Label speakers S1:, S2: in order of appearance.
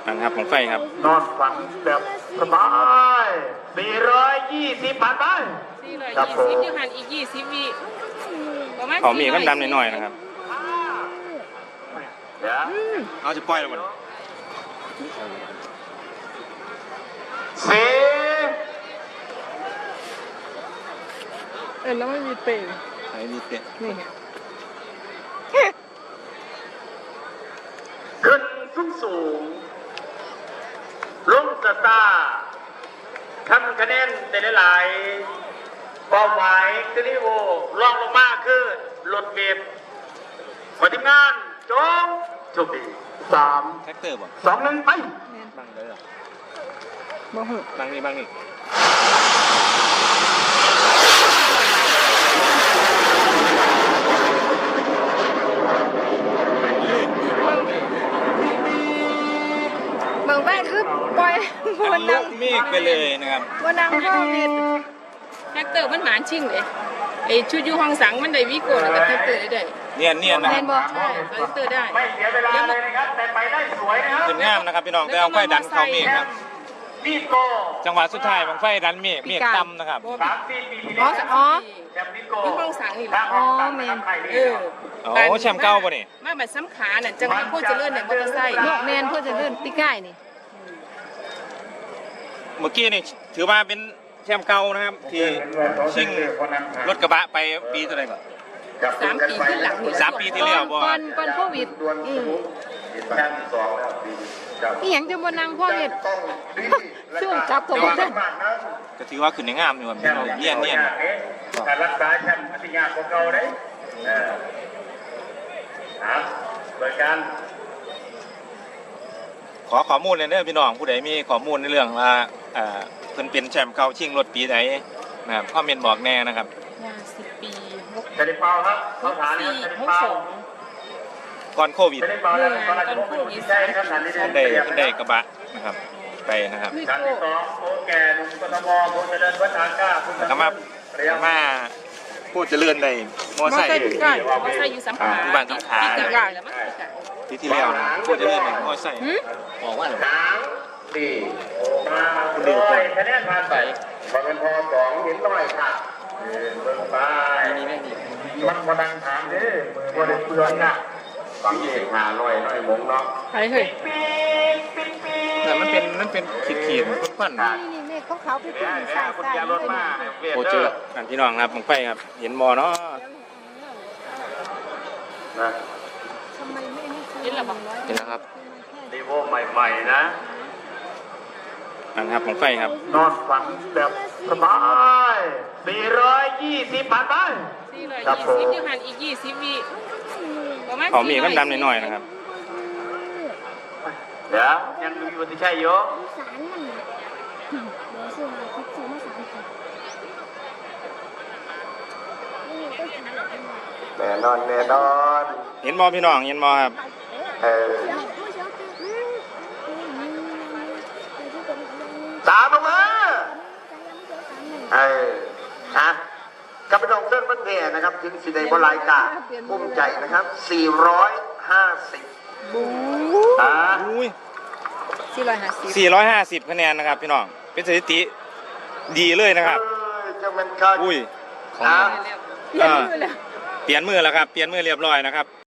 S1: นะครับของไฟครับ
S2: นอนฝันแบบสบาย420ผ่านไป
S3: 420อยู่หันอีก20วิประมาณ
S1: เขามีกันดำหน่อยๆนะครับ
S2: เดี๋ยว
S1: เอาจะปล่อยแล้วมัน
S3: แล้วไม่มีเปย์
S1: ไอ้นี่เตะ
S3: นี่
S2: ขึ้นสูงลงสตาร์ทำคะแนนแต่หลายเป้าหมายคือนี่โวลองลงมาคือรถเมล์ขอทีมงานจงโชคดี3
S1: แท็กเตอร์บ่
S2: 2 1ไป
S1: บังเลยเหรอ
S3: บ่เหอะ
S1: บังนี่
S3: บางแป้งคือปล่อยวันนั่ง
S1: เมฆไปเลยนะครับ
S3: วันนั่งโควิดแท็กเตอร์มันหมานชิ่งเลยไอชุดอยู่ห้องสังมันได้วิโก้แล้วก็แท็กเตอร์ได้
S1: เนียนนะค
S3: เห็
S1: รับ
S3: นบ่ใช่แท็กเตอร์ได้
S2: ไม่เสียเวลาเลยนะครับแต่ไปได้สวยนะครับ
S1: ขึ้นงามนะครับพี่น้องแต่เอาไฟดันเขาเมฆครับ
S2: วีโก้
S1: จังหวะสุดท้ายของไฟดันเมฆต่ำนะครับ
S2: 3-4 ปีที่
S3: อ๋
S2: แล้
S3: อ
S2: ว
S3: อ๋อ
S2: แชมป์วีโก้
S3: อยู่ห้องสังนี่แหละ
S2: อ๋อแมน
S1: โอ้แชมป์เก่าป่ะนี่
S3: มาแบบซ้ำขาน่ะจังหวะพูดจะเลื่อนเนี่ยมอเตอร์ไซค์แมนพูดจะเลื่อนปีใกล้นี่
S1: เมื่อกี้นี่ถือว่าเป็นแชมป์เก่านะครับที่ชิงรถกระบะไปปีเท่าไหร่ก่อน
S3: 3 ปีขึ้นหลังนี่
S1: 3 ปีที่แล้วบ่
S3: ก่อนโควิด
S2: แชมป์2แล้วปีครับ
S3: อีหยังจะบ่นั่งโควิดช่วงจับตัวเส้น
S1: ก็ถือว่าขึ้นในงามอยู่ครับพี่น้องเนียน
S2: การรักษาแชมป์พัทยาของเราได้เปิดการ
S1: ขอข้อมูลเลยเด้อพี่น้องผู้ใดมีข้อมูลในเรื่องว่าเพิ่นเป็นแชมป์เก่าชิงรถปีใดนะครับคอมเมนต์บอกแน่นะครับ
S3: 10 ปี
S2: จะได้เป่าครับเขาถามจะได้เป่า
S1: ก่อนโควิด
S2: จะได้เป่าแล้วตอนแรกผมใช่ครับทันที
S1: ได้กระบะนะครับไปนะครับ
S2: การที่2โค้แก่หนุ่มกทมโค้เจริญวัฒนาก้าคุณ
S1: กมาพูดเจริญได้มอไซค์
S3: อยู่สำขา
S1: บ้านสำขาที่แล้วนะพูดเจริญได้มอไซค์บอกว่าอะไร
S2: 3-4มาเลยคะแนนผ่านไปพอเป็นพอ2เห็นหน่อยค่ะเบิ่งไปมันมาดังถามเด้มือบ่ได้เปลืองน่ะฟังเองหาหน่อยมงเนาะ
S3: ไปเฮ้ย
S1: แต่มันเป็นขีดควัน
S3: นี่เขาไปขึ้นสายสาย
S2: รถมา
S1: โอ้เจอกันพี่น้องครับผมไปครับเห็นมอเนาะ
S2: นะ
S3: ทำไมไม่ให้เห็นหรอ
S1: เห็นแล้วครับ
S2: ดีโวใหม่ๆนะ
S1: นะครับผมไฟครับ
S2: นอนฝันแบบสบาย420ผ่านไป
S3: 420อยู่หันอีก20วิประมาณ
S1: เขามีกันดำหน่อยๆนะครับ
S2: เดี๋ยวยังมีวันที่ใช่อยู่
S4: สารมันเดี๋ยวซื้อมาพิซซ่ามา3 คน
S2: แน่นอน
S1: เห็นมอพี่น้องเห็นมอครับ
S2: ตามลงมากับพี่น้องเส้นบันเทนะครับถึงสีแดงบอลไลกาภูมิใจนะครับ450
S1: 450คะแนนนะครับพี่น้องเป็นสถิติดีเลยนะครับ
S2: ของ
S1: เปลี่ยนมือแล้วครับเปลี่ยนมือเรียบร้อยนะครับ